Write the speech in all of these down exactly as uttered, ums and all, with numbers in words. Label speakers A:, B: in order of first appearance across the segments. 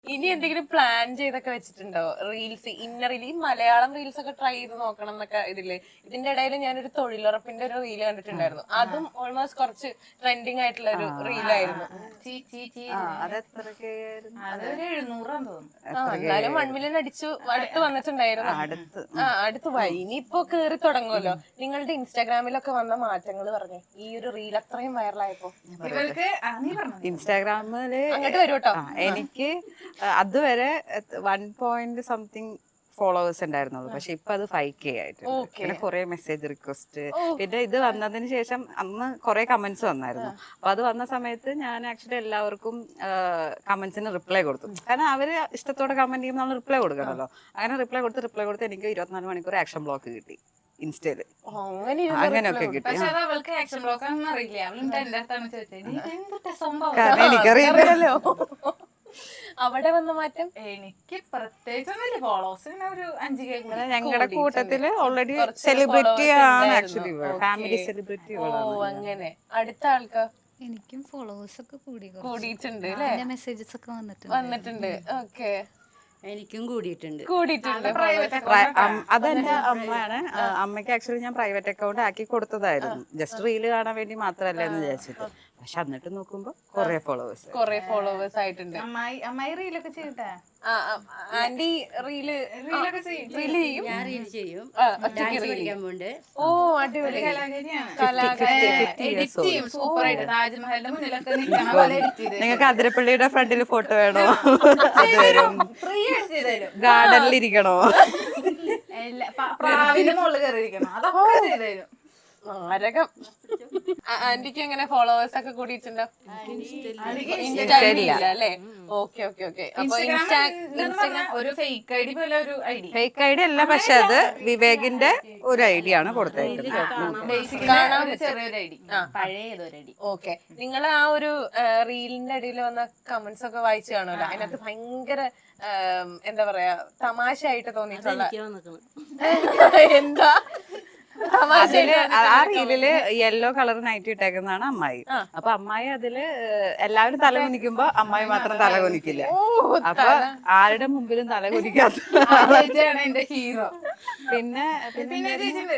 A: ഇനി എന്തെങ്കിലും പ്ലാൻ ചെയ്തൊക്കെ വെച്ചിട്ടുണ്ടോ? റീൽസ് ഇന്ന റീൽ ഈ മലയാളം റീൽസ് ഒക്കെ ട്രൈ ചെയ്ത് നോക്കണം എന്നൊക്കെ ഇതില്ലേ. ഇതിന്റെ ഇടയിൽ ഞാനൊരു തൊഴിലുറപ്പിന്റെ ഒരു റീൽ കണ്ടിട്ടുണ്ടായിരുന്നു. അതും ഓൾമോസ്റ്റ് കുറച്ച് ട്രെൻഡിങ് ആയിട്ടുള്ള ഒരു റീലായിരുന്നു. എന്നാലും വൺ മില്യൺ അടിച്ചു അടുത്ത് വന്നിട്ടുണ്ടായിരുന്നു. ആ അടുത്ത് പോയി. ഇനിയിപ്പോ കേറി തുടങ്ങുമല്ലോ. നിങ്ങളുടെ ഇൻസ്റ്റാഗ്രാമിലൊക്കെ വന്ന മാറ്റങ്ങൾ പറഞ്ഞു ഈ ഒരു റീൽ അത്രയും വൈറലായപ്പോ.
B: ഇൻസ്റ്റാഗ്രാമില്
A: അങ്ങോട്ട് വരും കേട്ടോ.
B: എനിക്ക് അതുവരെ വൺ പോയിന്റ് സംതിങ് ഫോളോവേഴ്സ് ഉണ്ടായിരുന്നുള്ളൂ. പക്ഷെ ഇപ്പൊ അത് ഫൈവ് കെ ആയിട്ടുണ്ട്. പിന്നെ കുറെ മെസ്സേജ് റിക്വസ്റ്റ്, പിന്നെ ഇത് വന്നതിന് ശേഷം അന്ന് കുറെ കമന്റ്സ് വന്നായിരുന്നു. അപ്പൊ അത് വന്ന സമയത്ത് ഞാൻ ആക്ച്വലി എല്ലാവർക്കും കമന്റ്സിന് റിപ്ലൈ കൊടുത്തു. കാരണം അവര് ഇഷ്ടത്തോടെ കമന്റ് ചെയ്യുമ്പോൾ നമ്മൾ റിപ്ലൈ കൊടുക്കണമല്ലോ. അങ്ങനെ റിപ്ലൈ കൊടുത്ത് റിപ്ലൈ കൊടുത്ത് എനിക്ക് ഇരുപത്തിനാല് മണിക്കൂർ ആക്ഷൻ ബ്ലോക്ക് കിട്ടി ഇൻസ്റ്റയില്. അങ്ങനെയൊക്കെ കിട്ടി. കാരണം എനിക്കറിയില്ലല്ലോ
A: അവിടെ വന്ന മാറ്റം.
C: എനിക്ക് പ്രത്യേകിച്ചൊന്നുമില്ല. ഫോളോവേഴ്സിന് ഒരു അഞ്ച് കെ.
B: ഞങ്ങളുടെ കൂട്ടത്തില് ഓൾറെഡി സെലിബ്രിറ്റി ആണ് ആക്ച്വലി, ഫാമിലി സെലിബ്രിറ്റി.
A: ഓ അങ്ങനെ. അടുത്ത ആൾക്കാർ
D: എനിക്കും ഫോളോവേഴ്സ് ഒക്കെ കൂടി
A: കൂടിയിട്ടുണ്ട്.
D: മെസ്സേജസ് ഒക്കെ വന്നിട്ടുണ്ട്
A: വന്നിട്ടുണ്ട് ഓക്കെ.
E: എനിക്കും കൂടിയിട്ടുണ്ട്
A: കൂടിയിട്ടുണ്ട്.
B: അതെന്റെ അമ്മയാണ്. അമ്മയ്ക്ക് ആക്ച്വലി ഞാൻ പ്രൈവറ്റ് അക്കൗണ്ട് ആക്കി കൊടുത്തതായിരുന്നു, ജസ്റ്റ് റീല് കാണാൻ വേണ്ടി മാത്രല്ല എന്ന് വിചാരിച്ചിട്ട്. പക്ഷെ എന്നിട്ട് നോക്കുമ്പോ കൊറേ ഫോളോവേഴ്സ്
A: കൊറേ ഫോളോവേഴ്സ് ആയിട്ടുണ്ട്.
C: അമ്മായി അമ്മായി റീലൊക്കെ ചെയ്യട്ടെ.
A: ആന്റി റീല് റീലൊക്കെ
E: ഞാൻ റീൽ ചെയ്യും, ഡാൻസ് പഠിക്കാൻ പോണ്ട്.
A: ഓ അടിപൊളി.
C: എഡിറ്റ് ചെയ്യും സൂപ്പർ ആയിട്ട്. താജ്മഹലിന്റെ മുന്നിലൊക്കെ നിൽക്കണ പോലെ എഡിറ്റ് ചെയ്ത്.
B: നിങ്ങൾക്ക് അതിരപ്പള്ളിയുടെ ഫ്രണ്ടിൽ ഫോട്ടോ വേണോ?
C: ഫ്രീ ആയിട്ട് ചെയ്തരും.
B: ഗാർഡനിൽ ഇരിക്കണോ?
C: പ്രാവിന്റെ മുകളിൽ കയറിയിരിക്കണം. അതൊക്കെ ചെയ്തരും.
A: ആരകം. ആന്റിക്ക് എങ്ങനെ ഫോളോവേഴ്സ് ഒക്കെ കൂടിയിട്ടുണ്ടോ? ഇൻസ്റ്റാഗ്രാമില്ല അല്ലേ? Okay okay okay. അപ്പൊ
C: ഇൻസ്റ്റാഗ്രാം ഒരു ഫേക്ക് ഐഡി പോലെ ഒരു ഐഡി.
B: ഫേക്ക് ഐഡി അല്ല, പക്ഷെ അത് വിവേകിന്റെ ഒരു ഐഡിയ ആണ് കൊടുത്തേക്കുന്നത്.
C: ചെറിയൊരു ഐഡി, പഴയതൊരു ഐഡി.
A: ഓക്കെ. നിങ്ങൾ ആ ഒരു റീലിന്റെ അടിയിൽ വന്ന കമന്റ്സ് ഒക്കെ വായിച്ചു കാണുമല്ലോ. അതിനകത്ത് ഭയങ്കര എന്താ പറയാ തമാശയായിട്ട് തോന്നിയിട്ടുള്ള എന്താ
B: അതില് ആ റീലില് യെല്ലോ കളർ നൈറ്റ് ഇട്ടേക്കുന്നതാണ് അമ്മായി. അപ്പൊ അമ്മായി അതില് എല്ലാവരും തല കുനിക്കുമ്പോ അമ്മായി മാത്രം തല കുനിക്കില്ല. അപ്പൊ ആരുടെ മുമ്പിലും തല കുനിക്കാത്ത
C: എന്റെ ഹീറോ.
B: പിന്നെ
C: പിന്നെ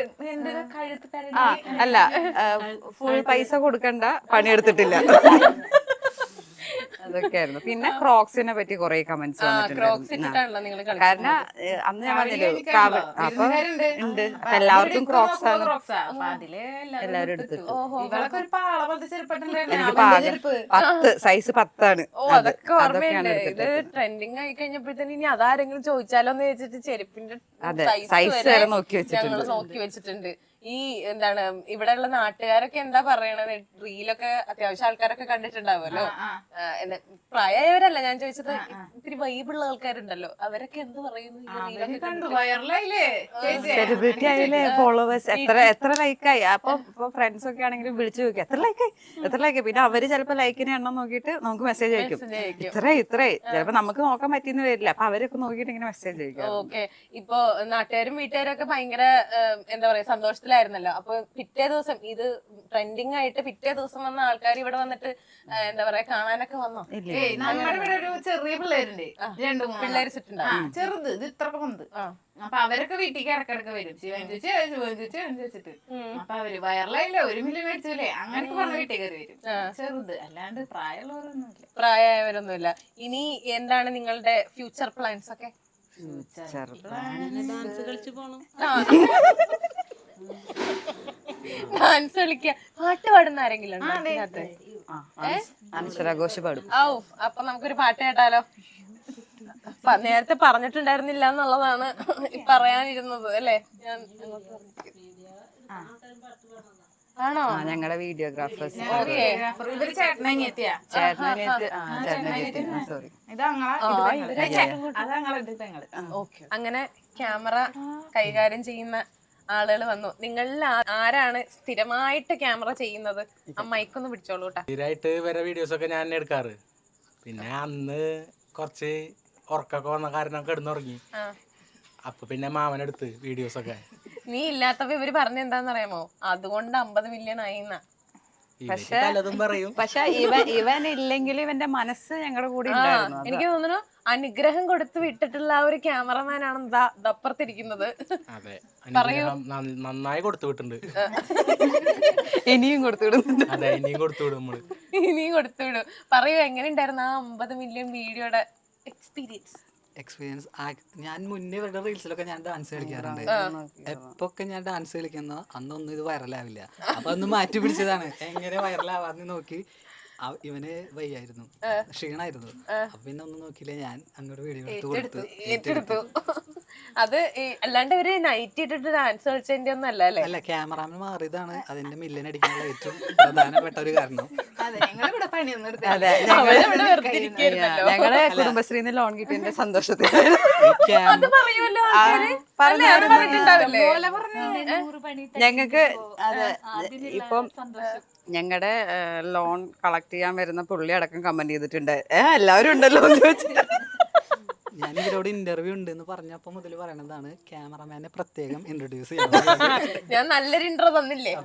B: ആ അല്ല, ഫുൾ പൈസ കൊടുക്കണ്ട, പണിയെടുത്തിട്ടില്ല. അതൊക്കെയായിരുന്നു. പിന്നെ ക്രോക്സിനെ പറ്റി കുറെ കമന്റ്സ് വന്നിട്ടുണ്ട്. കാരണം അന്ന് ഞാൻ വന്നില്ലേ അപ്പൊ ഉണ്ട്, അപ്പൊ എല്ലാവർക്കും ക്രോക്സ് ആണ്. എല്ലാവരും എടുത്തിട്ട് എനിക്ക് പാകം പത്ത് സൈസ് പത്താണ്.
A: അതൊക്കെ ഓർമ്മയുണ്ട്. ഇത് ട്രെൻഡിങ് ആയി കഴിഞ്ഞപ്പോഴത്തേന് ഇനി അതാരെങ്കിലും ചോദിച്ചാലോ എന്ന് വെച്ചിട്ട് ചെരുപ്പിന്റെ
B: സൈസ് വരെ നോക്കി വെച്ചിട്ടുണ്ട്
A: നോക്കി വെച്ചിട്ടുണ്ട്. ഈ എന്താണ് ഇവിടെയുള്ള നാട്ടുകാരൊക്കെ എന്താ പറയണത്? റീലൊക്കെ അത്യാവശ്യം ആൾക്കാരൊക്കെ കണ്ടിട്ടുണ്ടാവുമല്ലോ. പ്രായമായവരല്ല ഞാൻ ചോദിച്ചത്, ഇത്തിരി വൈബുള്ള ആൾക്കാരുണ്ടല്ലോ, അവരൊക്കെ എന്ത് പറയുന്നു?
B: സെലിബ്രിറ്റി ആയില്ലേ, ഫോളോവേഴ്സ് എത്ര എത്ര ലൈക്കായി. അപ്പൊ ഇപ്പൊ ഫ്രണ്ട്സ് ഒക്കെ ആണെങ്കിലും വിളിച്ചു ചോദിക്കും എത്ര ലൈക്കായി എത്ര ലൈക്കായി. പിന്നെ അവര് ചിലപ്പോ ലൈക്കിന് എണ്ണം നോക്കിയിട്ട് നമുക്ക് മെസ്സേജ് അയക്കും, ഇത്ര ഇത്രേ. ചിലപ്പോ നമുക്ക് നോക്കാൻ പറ്റിയെന്ന് വരില്ല, അപ്പൊ അവരൊക്കെ നോക്കിയിട്ട് ഇങ്ങനെ മെസ്സേജ് അയക്കും.
A: ഓക്കെ. ഇപ്പൊ നാട്ടുകാരും വീട്ടുകാരും ഒക്കെ ഭയങ്കര എന്താ പറയാ സന്തോഷത്തിലായിരുന്നല്ലോ. അപ്പൊ പിറ്റേ ദിവസം ഇത് ട്രെൻഡിങ് ആയിട്ട് പിറ്റേ ദിവസം വന്ന ആൾക്കാർ ഇവിടെ വന്നിട്ട് എന്താ പറയാ കാണാനൊക്കെ വന്നോ?
C: നമ്മുടെ ഇവിടെ ഒരു ചെറിയ പിള്ളേരുണ്ട്, രണ്ടു മൂന്ന്
A: പിള്ളേര് ചുറ്റുണ്ടാവും,
C: ചെറുത് ഇത് ഇത്രക്ക് വന്ന്. അപ്പൊ അവരൊക്കെ വീട്ടിലേക്ക് ഇടക്കിടക്ക് വരും, ശിവൻ ചേച്ചി ശിവൻ ചേച്ചി വെച്ചിട്ട്. അപ്പൊ അവര് വയറിലായില്ല ഒരു മില്യൺ മേടിച്ചില്ലേ അങ്ങനെയൊക്കെ പറഞ്ഞ വീട്ടിൽ കയറി വരും. ചെറുത് അല്ലാണ്ട് പ്രായമുള്ളവരൊന്നുമില്ല.
A: പ്രായമായവരൊന്നുമില്ല. ഇനി എന്താണ് നിങ്ങളുടെ ഫ്യൂച്ചർ പ്ലാൻസ് ഒക്കെ?
E: ഡാൻസ് കളിച്ചു പോണം,
A: ഡാൻസ് കളിക്ക, പാട്ട് പാടുന്ന ആരെങ്കിലും
B: അനശ്വരാഘോഷ് പാടും.
A: ഔ അപ്പൊ നമുക്കൊരു പാട്ട് കേട്ടാലോ? നേരത്തെ പറഞ്ഞിട്ടുണ്ടായിരുന്നില്ല എന്നുള്ളതാണ് പറയാനിരുന്നത് അല്ലേ? ഞാൻ ആണോ?
B: ഞങ്ങളുടെ വീഡിയോഗ്രാഫേഴ്സ് സോറി
A: അങ്ങനെ ക്യാമറ കൈകാര്യം ചെയ്യുന്ന ആളുകൾ വന്നു. നിങ്ങളിൽ ആരാണ് സ്ഥിരമായിട്ട് ക്യാമറ ചെയ്യുന്നത്? ആ മൈക്കൊന്ന് പിടിച്ചോളൂ കേട്ടോ.
F: സ്ഥിരമായിട്ട് വരെ വീഡിയോസ് ഒക്കെ ഞാൻ എടുക്കാറ്. പിന്നെ അന്ന് കുറച്ച് ഉറക്കൊക്കെ വന്ന കാരണം കിടന്നുറങ്ങി. അപ്പൊ പിന്നെ മാമനെടുത്ത് വീഡിയോസ് ഒക്കെ.
A: നീ ഇല്ലാത്തപ്പോ ഇവര് പറഞ്ഞ എന്താന്നറിയാമോ? അതുകൊണ്ട് അമ്പത് മില്യൺ ആയിന്ന.
B: പക്ഷെ പക്ഷെ ഇവൻ ഇവൻ ഇല്ലെങ്കിൽ ഇവന്റെ മനസ്സ് ഞങ്ങളുടെ കൂടെ ഉണ്ടായിരുന്നു.
A: എനിക്ക് തോന്നുന്നു അനുഗ്രഹം കൊടുത്ത് വിട്ടിട്ടുള്ള ആ ഒരു ക്യാമറമാൻ ആണ് ദാ ദപ്പുറത്തിരിക്കുന്നത്.
F: അതെ, അനുഗ്രഹം നന്ന- നന്നായി കൊടുത്തു വിട്ടുണ്ട്.
B: ഇനിയും കൊടുത്തു വിടുന്നുണ്ട്.
F: അതെ, ഇനിയും കൊടുത്തു വിടും നമ്മള്.
A: ഇനിയും കൊടുത്തു വിടും. പറയൂ, എങ്ങനെ ഉണ്ടായിരുന്നു ആ അമ്പത് മില്യൺ വീഡിയോയുടെ എക്സ്പീരിയൻസ്?
G: എക്സ്പീരിയൻസ് ഞാൻ മുന്നേ ഇവരുടെ റീൽസിലൊക്കെ ഞാൻ ഡാൻസ് കളിക്കാറുണ്ട്. എപ്പൊക്കെ ഞാൻ ഡാൻസ് കളിക്കുന്ന അന്നൊന്നും ഇത് വൈറലാവില്ല. അപ്പൊ ഒന്ന് മാറ്റി പിടിച്ചതാണ് എങ്ങനെ വൈറലാവാന്ന് നോക്കി. ആ- ഇവന് വയ്യായിരുന്നു, ക്ഷീണായിരുന്നു. അപ്പൊ പിന്നെ ഒന്നും നോക്കിയില്ല, ഞാൻ അങ്ങോട്ട് വീഡിയോ എടുത്ത് കൊടുത്തു.
A: ഏറ്റെടുത്തു. അത് ഈ അല്ലാണ്ട് ഇവര് നൈറ്റ് ഇട്ടിട്ട് ഡാൻസ് കളിച്ചതിന്റെ ഒന്നും അല്ല അല്ലേ?
G: അല്ല, ക്യാമറാമാൻ മാറിയതാണ് അതിന്റെ മില്യൻ അടിക്കാനുള്ള ഏറ്റവും പ്രധാനപ്പെട്ട ഒരു കാരണം.
C: അതെ, ഞങ്ങളിവിടെ പണിയൊന്നും എടുത്തില്ല.
B: അതെ,
A: അവരവിടെ വെറുതെ ഇരിക്കുകയായിരുന്നല്ലോ.
B: ഞങ്ങള് കുടുംബശ്രീന്ന് ലോൺ കിട്ടിയതിന്റെ സന്തോഷത്തിൽ
G: ഈ ക്യാമ
A: അത് പറയുമല്ലോ ആൾക്കാര്. അല്ലേ, അത് പറഞ്ഞിട്ടുണ്ടാവില്ലേ?
C: പോലെ പറഞ്ഞു
B: ഞങ്ങക്ക് അതെ ഇപ്പം ഞങ്ങളുടെ ലോൺ കളക്ട് ചെയ്യാൻ വരുന്ന പുള്ളി അടക്കം കമന്റ് ചെയ്തിട്ടുണ്ട്, ഏ എല്ലാവരും ഉണ്ടല്ലോ എന്ന് ചോദിച്ചിട്ട്.
G: ഞാൻ ഇവരോട് ഇന്റർവ്യൂ ഉണ്ട് എന്ന് പറഞ്ഞപ്പോ മുതൽ പറയണതാണ് ക്യാമറമാനെ പ്രത്യേകം ഇൻട്രൊഡ്യൂസ് ചെയ്യണം.
A: ഞാൻ നല്ലൊരു ഇൻട്രോ തന്നില്ലേ?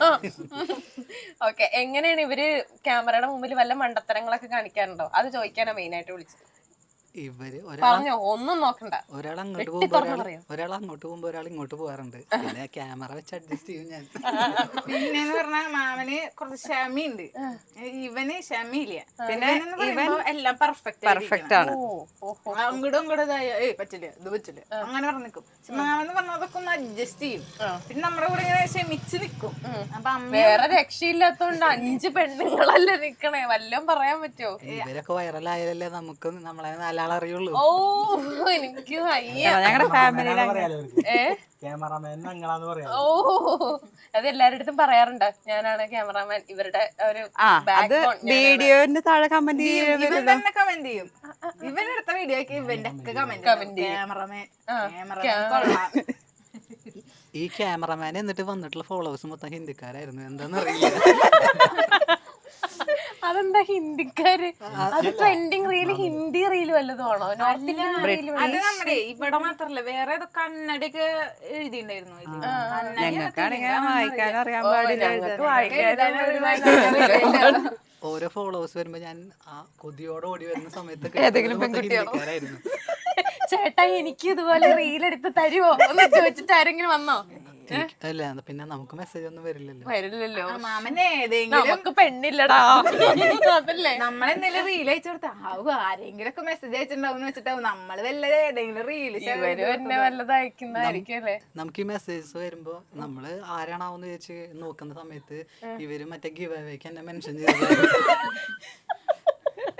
A: ഓക്കെ, എങ്ങനെയാണ് ഇവര് ക്യാമറയുടെ മുമ്പിൽ വല്ല മണ്ടത്തരങ്ങളൊക്കെ കാണിക്കാറുണ്ടോ? അത് ചോദിക്കാനാ മെയിൻ ആയിട്ട് വിളിച്ചത്.
G: ഇവര് ഒരാൾ
A: പറഞ്ഞോ, ഒന്നും നോക്കണ്ട.
G: ഒരാൾ അങ്ങോട്ട്
A: വെട്ടി
G: പോകുമ്പോ
A: തുറന്ന്
G: ഒരാൾ
A: പറയോ?
G: ഒരാൾ അങ്ങോട്ട് പോകുമ്പോ ഒരാൾ ഇങ്ങോട്ട് പോകാറുണ്ട്. പിന്നെ ക്യാമറ വെച്ച് അഡ്ജസ്റ്റ് ചെയ്യും ഞാൻ.
C: പിന്നെന്ന് പറഞ്ഞാ മാമന് കുറച്ച് ക്ഷമയുണ്ട്, ഇവന് ക്ഷമയില്ല.
B: പിന്നെ
C: ഇവൻ എല്ലാം പെർഫെക്റ്റ്
B: പെർഫെക്റ്റ് ആണ്.
C: അങ്ങോട്ടും ഇങ്ങോട്ടും ഇതായ ഏയ് പറ്റില്ല ഇത് പറ്റില്ല അങ്ങനെ പറഞ്ഞു നിൽക്കും. പക്ഷെ മാമെന്ന് പറഞ്ഞാൽ അതൊക്കെ ഒന്ന് അഡ്ജസ്റ്റ് ചെയ്യും. പിന്നെ നമ്മുടെ കൂടെ ഇങ്ങനെ ക്ഷമിച്ച് നിൽക്കും. അപ്പൊ അമ്മ
A: വേറെ രക്ഷയില്ലാത്തോണ്ട് അഞ്ച് പെണ്ണുങ്ങളല്ലേ നിക്കണേ, വല്ലതും പറയാൻ പറ്റുമോ?
G: ഇവരൊക്കെ വൈറലായാലല്ലേ നമുക്ക് നമ്മളെ നാലാൾ അറിയുള്ളൂ.
A: ഓ, എനിക്ക് വയ്യ.
B: ഞങ്ങളുടെ ഫാമിലിയിലെ
A: ഏ
F: ക്യാമറാമാൻ ഞങ്ങളാന്ന് പറയാം.
A: ഓ, അത് എല്ലാരുടെ അടുത്തും പറയാറുണ്ട്, ഞാനാണ് ക്യാമറാമാൻ, ഇവരുടെ ഒരു
B: ആ അത് വീഡിയോന്റെ താഴെ കമന്റ്
C: ഇവൻ
B: ചെയ്യുന്നത്
C: തന്നെ കമന്റ് ചെയ്യും. ഇവനെടുത്ത വീഡിയോക്ക് ഇവന്റെ ഒക്കെ കമന്റ് ക്യാമറമാൻ ക്യാമറമാൻ കൊള്ളാം.
G: ഈ ക്യാമറമാൻ എന്നിട്ട് വന്നിട്ടുള്ള ഫോളോവേഴ്സ് മൊത്തം ഹിന്ദിക്കാരായിരുന്നു. എന്താന്നറിയില്ല.
A: അതെന്താ ഹിന്ദിക്കാര്? അത് ട്രെൻഡിങ് റീല് ഹിന്ദി റീല് വല്ലതും ആണോ? നോർത്ത് ഇന്ത്യൻ റീല്
C: അത് നമ്മുടെ ഇവിടെ മാത്രല്ല വേറെ ഏതോ കന്നഡയൊക്കെ എഴുതിണ്ടായിരുന്നു.
B: ഞങ്ങൾക്കാണെങ്കിൽ വായിക്കാൻ അറിയാൻ പാടില്ല.
G: ഓരോ ഫോളോവേഴ്സ് വരുമ്പോ ഞാൻ ആ കൊതിയോടെ ഓടി വരുന്ന സമയത്തൊക്കെ ഏതെങ്കിലും ഹിന്ദിക്കാരായിരുന്നു.
A: ചേട്ടാ, എനിക്ക് ഇതുപോലെ റീൽ എടുത്ത് തരുവോ എന്ന് ചോദിച്ചിട്ട് ആരെങ്കിലും വന്നോ?
G: അല്ല, പിന്നെ നമുക്ക് മെസ്സേജ് ഒന്നും വരില്ലല്ലോ.
A: വരില്ലല്ലോ.
C: മാമന് ഏതെങ്കിലും
A: നമുക്ക് പെണ്ണില്ലടാ, അതല്ലേ.
C: നമ്മളെന്തെങ്കിലും റീൽ അയച്ചു കൊടുത്താ ആവും ആരെങ്കിലും ഒക്കെ മെസ്സേജ് അയച്ചിട്ടുണ്ടാവും വെച്ചിട്ടാവും നമ്മള് വല്ല ഏതെങ്കിലും റീല്
A: ഇവര് തന്നെ വല്ലത് അയക്കുന്നതായിരിക്കും അല്ലേ.
G: നമുക്ക് ഈ മെസ്സേജസ് വരുമ്പോ നമ്മള് ആരാണാവെന്ന് ചോദിച്ച് നോക്കുന്ന സമയത്ത് ഇവര് മറ്റേ ഗിവ് അവേക്ക് എന്നെ മെൻഷൻ ചെയ്തത്.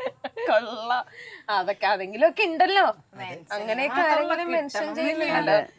A: കൊള്ളാം. അതൊക്കെ അതെങ്കിലും ഒക്കെ ഉണ്ടല്ലോ, അങ്ങനെയൊക്കെ ആരെങ്കിലും മെൻഷൻ ചെയ്യുന്നുണ്ടല്ലോ.